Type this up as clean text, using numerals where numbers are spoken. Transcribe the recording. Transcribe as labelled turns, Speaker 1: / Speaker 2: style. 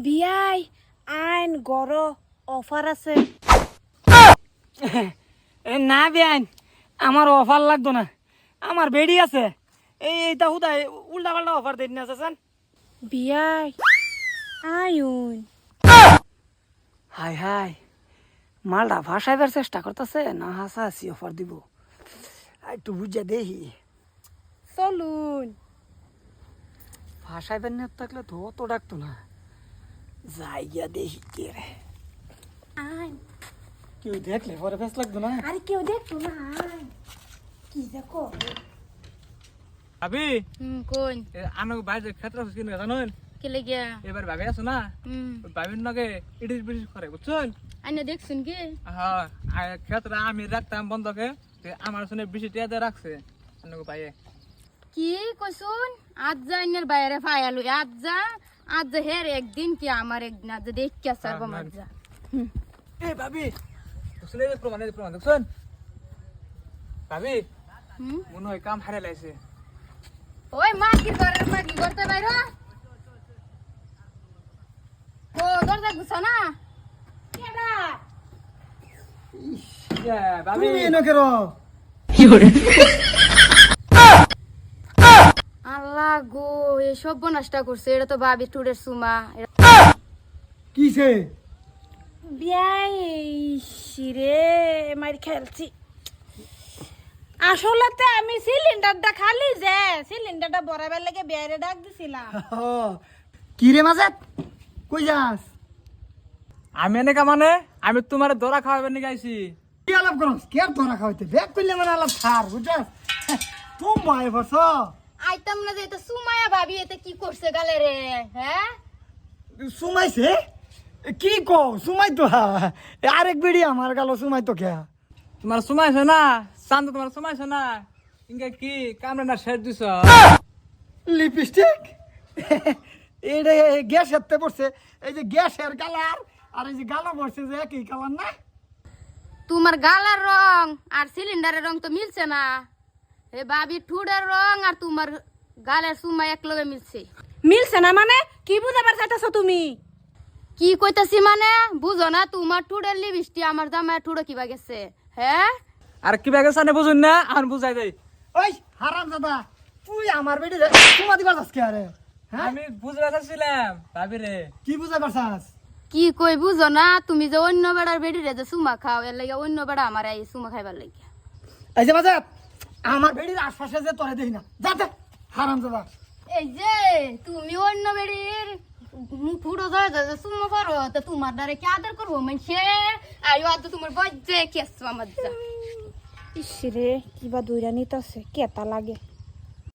Speaker 1: বিয়াই আইন গড় অফার আছে।
Speaker 2: না বেআইন, আমার অফার লাগতো না, আমার বেডি আছে। এইটা হুদায় উল্টা পাল্টা অফার দিন না চাচান।
Speaker 1: বিয়াই আইন
Speaker 2: হাই হাই, মালটা ভাসাইবার চেষ্টা করতেছে না হাসাহাসি অফার দিব, একটু বুঝা দেখি।
Speaker 1: চলুন।
Speaker 2: ভাসাইবার নিয়ে থাকলে তো অত ডাকতো না, যাই গিয়া দেখি কে রে।
Speaker 1: আইন
Speaker 2: কেউ দেখলে পরে বেশ লাগতো না।
Speaker 1: আরে কেউ দেখতো না। আইন কি দেখো
Speaker 3: ভাবি
Speaker 1: কোন
Speaker 3: আনো বাইরে ক্ষেত্র কিনে জানুন
Speaker 1: কে লেগিয়া
Speaker 3: এবার ভাবি আছো না ভাবির নগে ইডিস বিডিস করে বুঝছেন।
Speaker 1: আইনা দেখছুন কি
Speaker 3: হ্যাঁ ক্ষেত্রে আমি রাখতাম বন্ধকে, আমার শুনে বেশি টিয়াতে রাখছে আনগো ভাইয়ে।
Speaker 4: কি কইছুন? আজ যা ইনের বাইরে ফায়ালু আজ যা হের একদিন কি আমার একদিন আজ দেখ কে সারব মার যা।
Speaker 3: এ ভাবি শুনে প্রমাণ দেখছেন ভাবি মনে হয় কাম হারে লাইছে।
Speaker 4: ওই মা কি করতে বাইর ও দরজা গুছা না কেডা
Speaker 3: ভাবি
Speaker 2: তুমি এনো কেন?
Speaker 4: আল্লাহ গো এই সব নষ্ট করছে, এটা তো ভাবি টুডের সুমা।
Speaker 2: কিসে?
Speaker 1: বিয়াই শিরে মারি খেলছি। আসলতে আমি সিলিন্ডারটা খালি যে সিলিন্ডারটা বরাবার লাগে বিয়ারে ডাক দিছিলাম।
Speaker 2: কি রে মাজাত, কই যাস?
Speaker 3: আমি এনেকা মানে আমি তোমার দরা খাওয়াবেন নিয়ে গাইছি।
Speaker 2: কি আলাপ করস? কে তোরা খাওয়াইতে? ব্যাগ করলে মানে আলাপ ছাড়, বুঝছস? তুম মাই বস।
Speaker 4: আইতাম না যে এটা সুমায়া ভাবি এতে কি করছে গালে রে, হ্যাঁ
Speaker 2: সুমাইছে? কি কও? সুমাই তো আরেক বেড়ি আমার গেল, সুমাই তো কে?
Speaker 3: তোমার সময়ছে না চান্দ, তোমার সময়ছে না ইনকা কি কামড়ে না শেষ দিছ।
Speaker 2: লিপস্টিক? এটা গ্যাস হাতে পড়ছে, এই যে গ্যাসের কালার আর এই যে গালা পড়ছে যে একই কালার না?
Speaker 4: তোমার গালার রং আর সিলিন্ডারের রং তো মিলছে না। এ ভাবি ঠুডের রং আর তোমার গালের সুমা এক লগে মিলছে।
Speaker 1: মিলছে না মানে কি বুঝাবার চাইতেছো তুমি?
Speaker 4: কি কইতাছি মানে বুঝো না? তোমার ঠুডের লিপস্টি আমার জামায় ঠুডো কিবা গেছে, হ্যাঁ
Speaker 3: আর কি ব্যাগে সানে বুঝুন না আর বুঝাই দেই।
Speaker 2: ওই হারাম দাদা, তুই আমার বেড়ি সুমা দিবার যাস কে? আরে হ্যাঁ,
Speaker 3: আমি বুঝতে চাচ্ছিলাম ভাবি রে।
Speaker 2: কি বুঝাই পারছাস?
Speaker 4: কি কই বুঝো না? তুমি যে অন্য বেড়ার বেড়ি রে যে সুমা খাও, এর লাগে অন্য বেড়া আমার এই সুমা খাইবার লাগে।
Speaker 2: এই যে মাজাত, আমার বেড়ির আশপাশে যে তোরে দেখি না, যাতে হারাম দাদা।
Speaker 4: এই যে তুমি অন্য বেড়ির ঠুডো ধরে যে সুমা পারো তো তোমার দ্বারা কি আদর করবো মানছে? আয়ো আজ তোমার বজ্জে কেস আমার যা।
Speaker 1: ইসরে কিবা দইরা নিতেছে কেতা লাগে।